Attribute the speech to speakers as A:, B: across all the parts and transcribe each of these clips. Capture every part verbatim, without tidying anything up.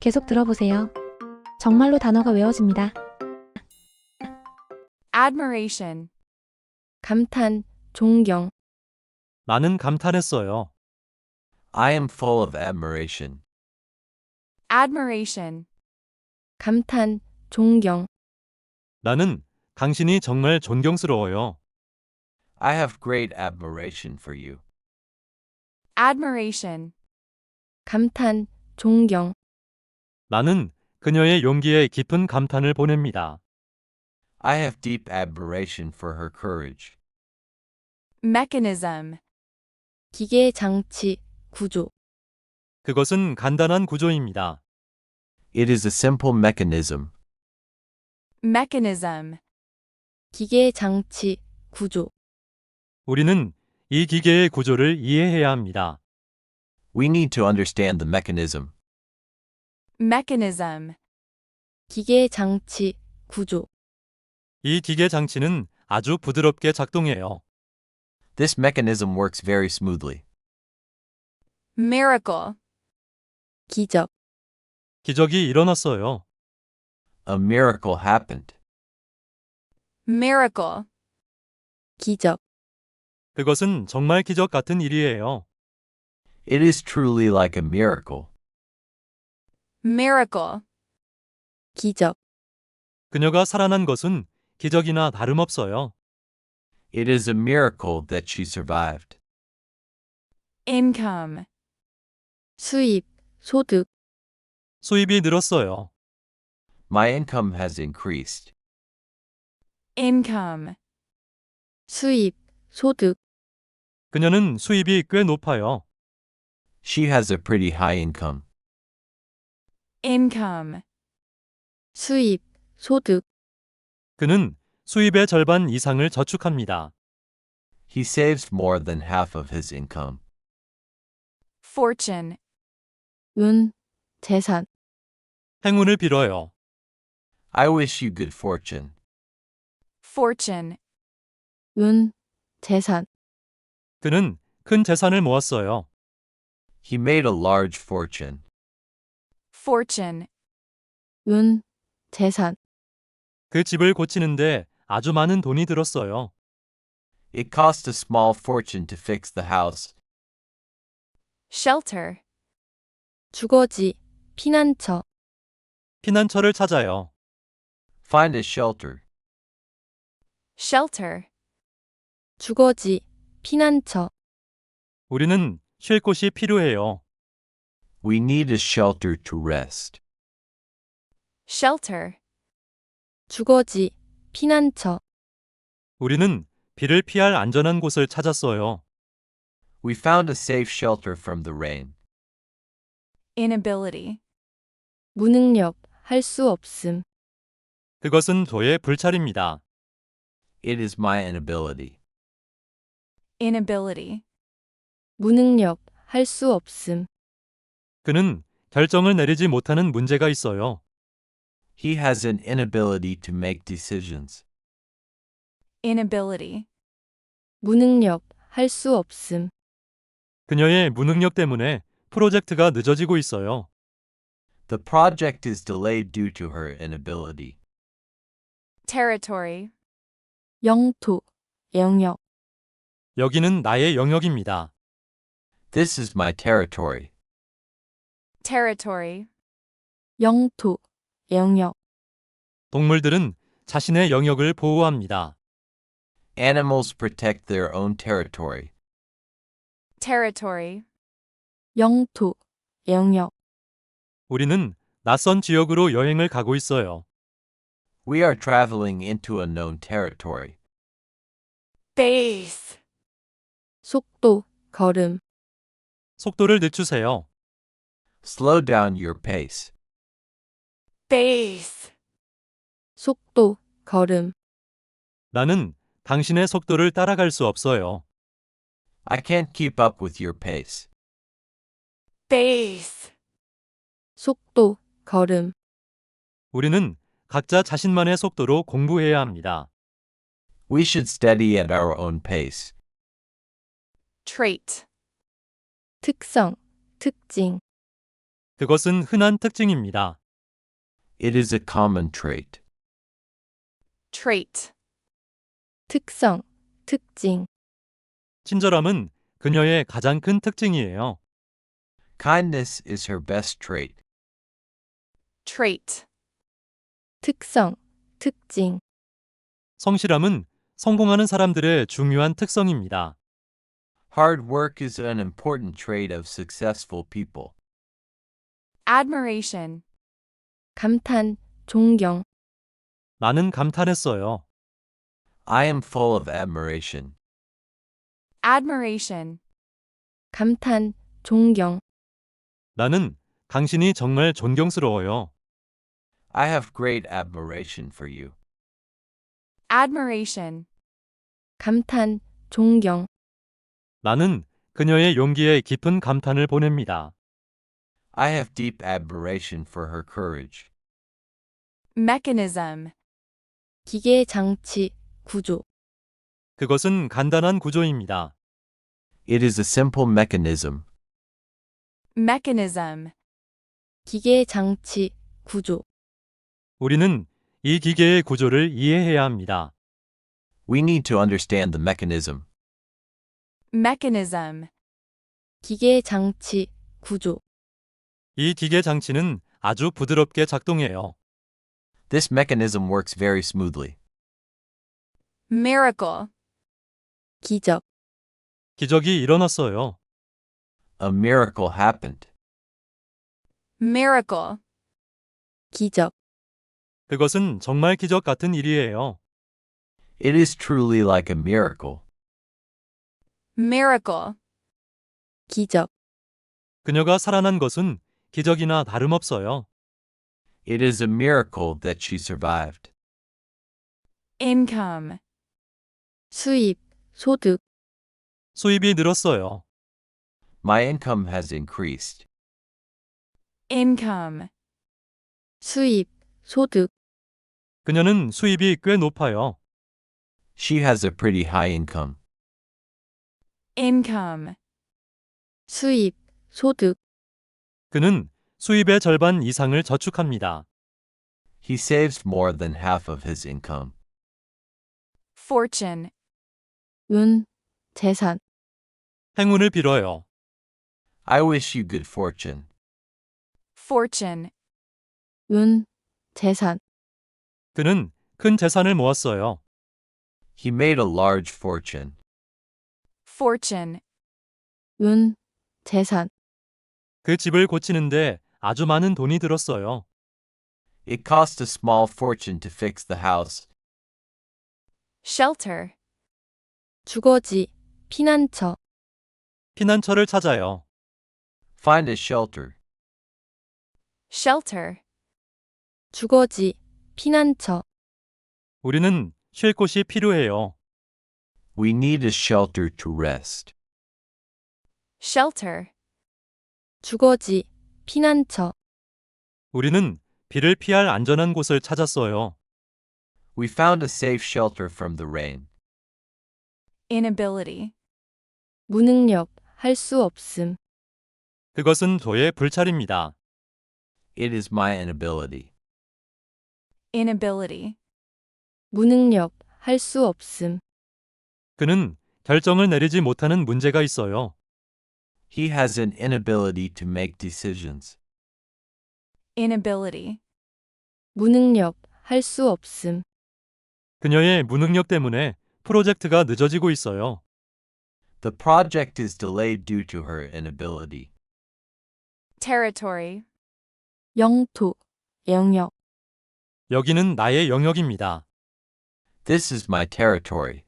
A: 계속 들어보세요. 정말로 단어가 외워집니다.
B: admiration,
C: 감탄, 존경,
D: 나는 감탄했어요.
E: I am full of admiration.
B: admiration,
C: 감탄, 존경,
D: 나는 당신이 정말 존경스러워요.
E: I have great admiration for you.
B: admiration,
C: 감탄, 존경,
D: 나는 그녀의 용기에 깊은 감탄을 보냅니다.
E: I have deep admiration for her courage.
B: mechanism,
C: 기계 장치, 구조,
D: 그것은 간단한 구조입니다.
E: It is a simple mechanism.
B: mechanism,
C: 기계 장치, 구조,
D: 우리는 이 기계의 구조를 이해해야 합니다.
E: We need to understand the mechanism.
B: mechanism,
C: 기계 장치, 구조,
D: 이 기계 장치는 아주 부드럽게 작동해요.
E: This mechanism works very smoothly.
B: miracle,
C: 기적,
D: 기적이 일어났어요.
E: A miracle happened.
B: miracle,
C: 기적,
D: 그것은 정말 기적 같은 일이에요.
E: It is truly like a miracle.
B: miracle,
C: 기적,
D: 그녀가 살아난 것은 기적이나 다름없어요.
E: It is a miracle that she survived.
B: income,
C: 수입, 소득,
D: 수입이 늘었어요.
E: My income has increased.
B: income,
C: 수입, 소득,
D: 그녀는 수입이 꽤 높아요.
E: She has a pretty high income.
B: income,
C: 수입, 소득,
D: 그는 수입의 절반 이상을 저축합니다.
E: He saves more than half of his income.
B: fortune,
C: 운, 재산,
D: 행운을 빌어요.
E: I wish you good fortune.
B: fortune,
C: 운, 재산,
D: 그는 큰 재산을 모았어요.
E: He made a large fortune.
B: fortune,
C: 운, 재산,
D: 그 집을 고치는데 아주 많은 돈이 들었어요.
E: It cost a small fortune to fix the house.
B: shelter,
C: 주거지, 피난처,
D: 피난처를 찾아요.
E: Find a shelter.
B: shelter,
C: 주거지, 피난처,
D: 우리는 쉴 곳이 필요해요.
E: We need a shelter to rest.
B: shelter,
C: 주거지, 피난처,
D: 우리는 비를 피할 안전한 곳을 찾았어요.
E: We found a safe shelter from the rain.
B: inability,
C: 무능력, 할 수 없음,
D: 그것은 저의 불찰입니다.
E: It is my inability.
B: inability,
C: 무능력, 할 수 없음,
D: 그는 결정을 내리지 못하는 문제가 있어요.
E: He has an inability to make decisions.
B: inability,
C: 무능력, 할 수 없음,
D: 그녀의 무능력 때문에 프로젝트가 늦어지고 있어요.
E: The project is delayed due to her inability.
B: territory,
C: 영토, 영역,
D: 여기는 나의 영역입니다.
E: This is my territory.
B: territory,
C: 영토, 영역,
D: 동물들은 자신의 영역을 보호합니다.
E: Animals protect their own territory.
B: territory,
C: 영토, 영역,
D: 우리는 낯선 지역으로 여행을 가고 있어요.
E: We are traveling into unknown territory.
B: base,
C: 속도, 걸음,
D: 속도를 늦추세요.
E: Slow down your pace.
B: base,
C: 속도, 걸음,
D: 나는 당신의 속도를 따라갈 수 없어요.
E: I can't keep up with your pace.
B: base,
C: 속도, 걸음,
D: 우리는 각자 자신만의 속도로 공부해야 합니다.
E: We should study at our own pace.
B: trait,
C: 특성, 특징,
D: 그것은 흔한 특징입니다.
E: It is a common trait.
B: trait,
C: 특성, 특징.
D: 친절함은 그녀의 가장 큰 특징이에요.
E: Kindness is her best trait.
B: trait,
C: 특성, 특징.
D: 성실함은 성공하는 사람들의 중요한 특성입니다.
E: Hard work is an important trait of successful people.
B: admiration,
C: 감탄, 존경.
D: 나는 감탄했어요.
E: I am full of admiration.
B: admiration,
C: 감탄, 존경.
D: 나는 당신이 정말 존경스러워요.
E: I have great admiration for you.
B: admiration,
C: 감탄, 존경.
D: 나는 그녀의 용기에 깊은 감탄을 보냅니다.
E: I have deep admiration for her courage.
B: mechanism,
C: 기계 장치, 구조.
D: 그것은 간단한 구조입니다.
E: It is a simple mechanism.
B: mechanism,
C: 기계 장치, 구조.
D: 우리는 이 기계의 구조를 이해해야 합니다.
E: We need to understand the mechanism.
B: mechanism,
C: 기계 장치, 구조.
D: 이 기계 장치는 아주 부드럽게 작동해요.
E: This mechanism works very smoothly.
B: miracle,
C: 기적.
D: 기적이 일어났어요.
E: A miracle happened.
B: miracle,
C: 기적.
D: 그것은 정말 기적 같은 일이에요.
E: It is truly like a miracle.
B: miracle,
C: 기적.
D: 그녀가 살아난 것은 기적이나 다름없어요.
E: It is a miracle that she survived.
B: income,
C: 수입, 소득.
D: 수입이 늘었어요.
E: My income has increased.
B: income,
C: 수입, 소득.
D: 그녀는 수입이 꽤 높아요.
E: She has a pretty high income.
B: income,
C: 수입, 소득.
D: 그는 수입의 절반 이상을 저축합니다.
E: He saves more than half of his income.
B: fortune,
C: 운, 재산.
D: 행운을 빌어요.
E: I wish you good fortune.
B: fortune,
C: 운, 재산.
D: 그는 큰 재산을 모았어요.
E: He made a large fortune.
B: fortune,
C: 운, 재산.
D: 그 집을 고치는데 아주 많은 돈이 들었어요.
E: It cost a small fortune to fix the house.
B: shelter,
C: 주거지, 피난처.
D: 피난처를 찾아요.
E: Find a shelter.
B: shelter,
C: 주거지, 피난처.
D: 우리는 쉴 곳이 필요해요.
E: We need a shelter to rest.
B: shelter,
C: 주거지, 피난처.
D: 우리는 비를 피할 안전한 곳을 찾았어요.
E: We found a safe shelter from the rain.
B: inability,
C: 무능력, 할 수 없음.
D: 그것은 저의 불찰입니다.
E: It is my inability.
B: inability,
C: 무능력, 할 수 없음.
D: 그는 결정을 내리지 못하는 문제가 있어요.
E: He has an inability to make decisions.
B: inability,
C: 무능력, 할 수 없음.
D: 그녀의 무능력 때문에 프로젝트가 늦어지고 있어요.
E: The project is delayed due to her inability.
B: territory,
C: 영토, 영역.
D: 여기는 나의 영역입니다.
E: This is my territory.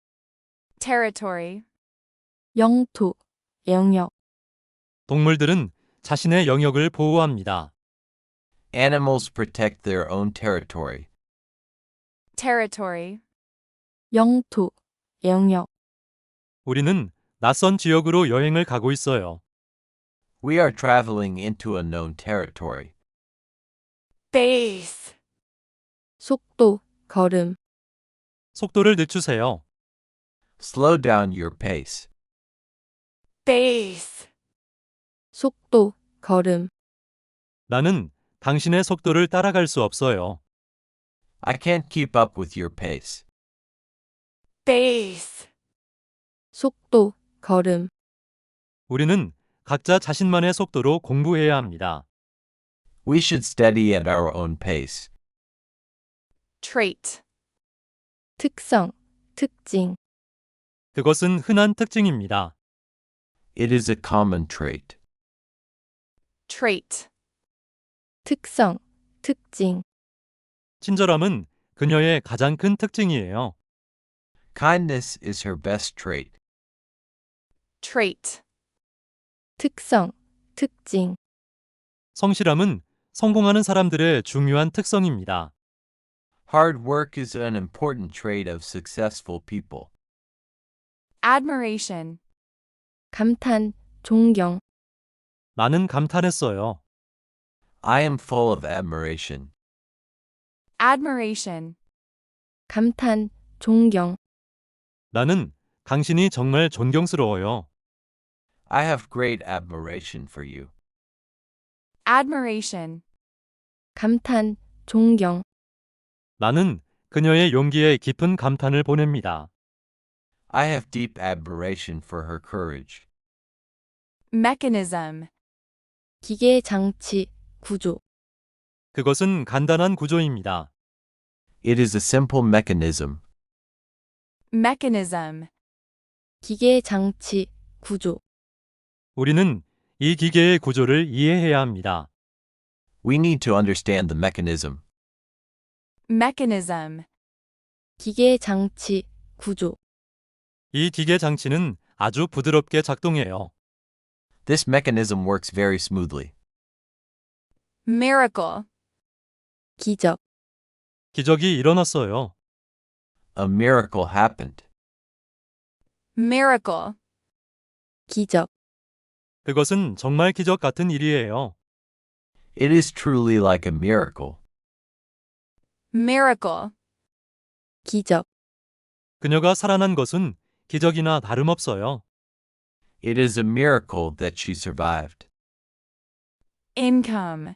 B: territory,
C: 영토, 영역.
D: 동물들은 자신의 영역을 보호합니다.
E: Animals protect their own territory.
B: territory,
C: 영토, 영역.
D: 우리는 낯선 지역으로 여행을 가고 있어요.
E: We are traveling into a known territory.
B: base,
C: 속도, 걸음.
D: 속도를 늦추세요.
E: Slow down your pace.
B: base,
C: 속도, 걸음.
D: 나는 당신의 속도를 따라갈 수 없어요.
E: I can't keep up with your pace.
B: Base.
C: 속도, 걸음,
D: 우리는 각자 자신만의 속도로 공부해야 합니다.
E: We should study at our own pace.
B: Trait.
C: 특성, 특징,
D: 그것은 흔한 특징입니다.
E: It is a common trait.
B: Trait.
C: 특성, 특징,
D: 친절함은 그녀의 가장 큰 특징이에요.
E: Kindness is her best trait.
B: Trait.
C: 특성, 특징,
D: 성실함은 성공하는 사람들의 중요한 특성입니다.
E: Hard work is an important trait of successful people.
B: Admiration.
C: 감탄, 존경,
D: 나는 감탄했어요.
E: I am full of admiration.
B: Admiration.
C: 감탄, 존경,
D: 나는 당신이 정말 존경스러워요.
E: I have great admiration for you.
B: Admiration.
C: 감탄, 존경,
D: 나는 그녀의 용기에 깊은 감탄을 보냅니다.
E: I have deep admiration for her courage.
B: Mechanism.
C: 기계 장치, 구조,
D: 그것은 간단한 구조입니다.
E: It is a simple mechanism.
B: Mechanism.
C: 기계 장치, 구조,
D: 우리는 이 기계의 구조를 이해해야 합니다.
E: We need to understand the mechanism.
B: Mechanism.
C: 기계 장치, 구조,
D: 이 기계 장치는 아주 부드럽게 작동해요.
E: This mechanism works very smoothly.
B: Miracle.
C: 기적,
D: 기적이 일어났어요.
E: A miracle happened.
B: Miracle.
C: 기적,
D: 그것은 정말 기적 같은 일이에요.
E: It is truly like a miracle.
B: Miracle.
C: 기적,
D: 그녀가 살아난 것은 기적이나 다름없어요.
E: It is a miracle that she survived.
B: Income.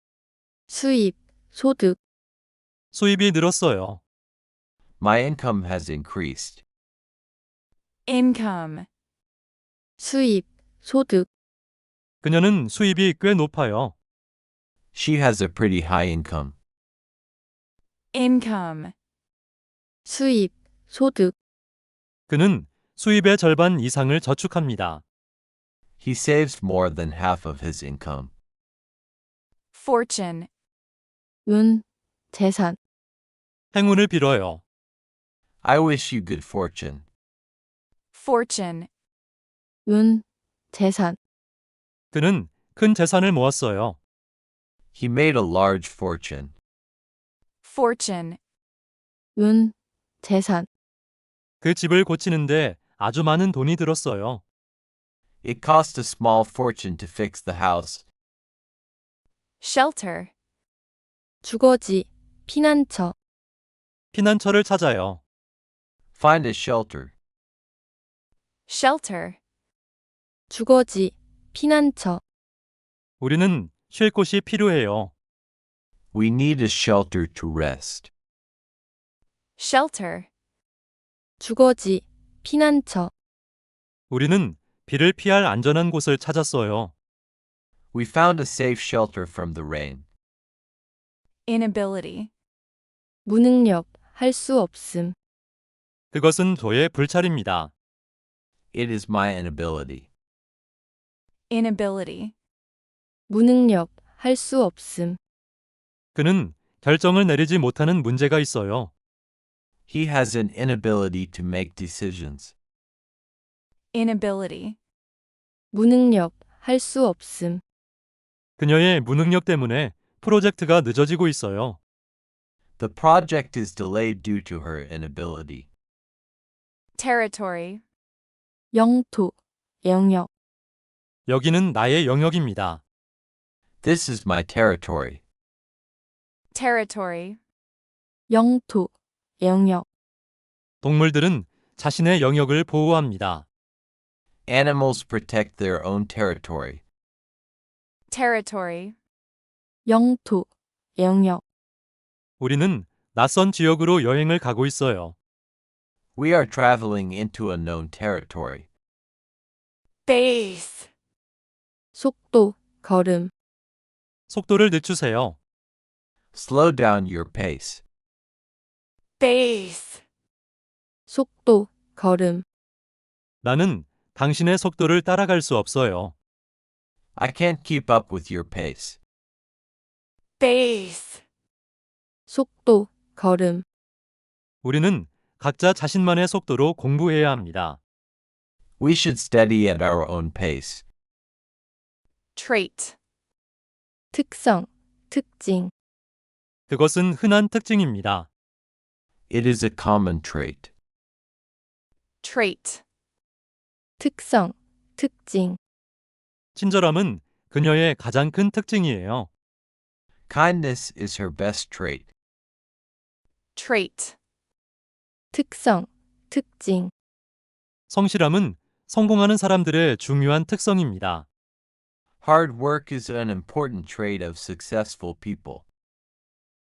C: 수입, 소득,
D: 수입이 늘었어요.
E: My income has increased.
B: Income.
C: 수입, 소득,
D: 그녀는 수입이 꽤 높아요.
E: She has a pretty high income.
B: Income.
C: 수입, 소득,
D: 그는 수입의 절반 이상을 저축합니다.
E: He saves more than half of his income.
B: Fortune.
C: 운, 재산,
D: 행운을 빌어요.
E: I wish you good fortune.
B: Fortune.
C: 운, 재산,
D: 그는 큰 재산을 모았어요.
E: He made a large fortune.
B: Fortune.
C: 운, 재산,
D: 그 집을 고치는데 아주 많은 돈이 들었어요.
E: It cost a small fortune to fix the house.
B: Shelter.
C: 주거지, 피난처,
D: 피난처를 찾아요.
E: Find a shelter.
B: Shelter.
C: 주거지, 피난처,
D: 우리는 쉴 곳이 필요해요.
E: We need a shelter to rest.
B: Shelter.
C: 주거지, 피난처,
D: 우리는 비를 피할 안전한 곳을 찾았어요.
E: We found a safe shelter from the rain.
B: Inability.
C: 무능력, 할 수 없음,
D: 그것은 저의 불찰입니다.
E: It is my inability.
B: Inability.
C: 무능력, 할 수 없음,
D: 그는 결정을 내리지 못하는 문제가 있어요.
E: He has an inability to make decisions.
B: Inability.
C: 무능력, 할 수 없음,
D: 그녀의 무능력 때문에 프로젝트가 늦어지고 있어요.
E: The project is delayed due to her inability.
B: Territory.
C: 영토, 영역,
D: 여기는 나의 영역입니다.
E: This is my territory.
B: Territory.
C: 영토, 영역,
D: 동물들은 자신의 영역을 보호합니다.
E: Animals protect their own territory.
B: Territory.
C: 영토, 영역,
D: 우리는 낯선 지역으로 여행을 가고 있어요.
E: We are traveling into unknown territory.
B: Base.
C: 속도, 걸음,
D: 속도를 늦추세요.
E: Slow down your pace.
B: Base.
C: 속도, 걸음,
D: 나는 당신의 속도를 따라갈 수 없어요.
E: I can't keep up with your pace.
B: Base.
C: 속도, 걸음,
D: 우리는 각자 자신만의 속도로 공부해야 합니다.
E: We should study at our own pace.
B: Trait.
C: 특성, 특징,
D: 그것은 흔한 특징입니다.
E: It is a common trait.
B: Trait.
C: 특성, 특징,
D: 친절함은 그녀의 가장 큰 특징이에요.
E: Kindness is her best trait.
B: Trait.
C: 특성, 특징,
D: 성실함은 성공하는 사람들의 중요한 특성입니다.
E: Hard work is an important trait of successful people.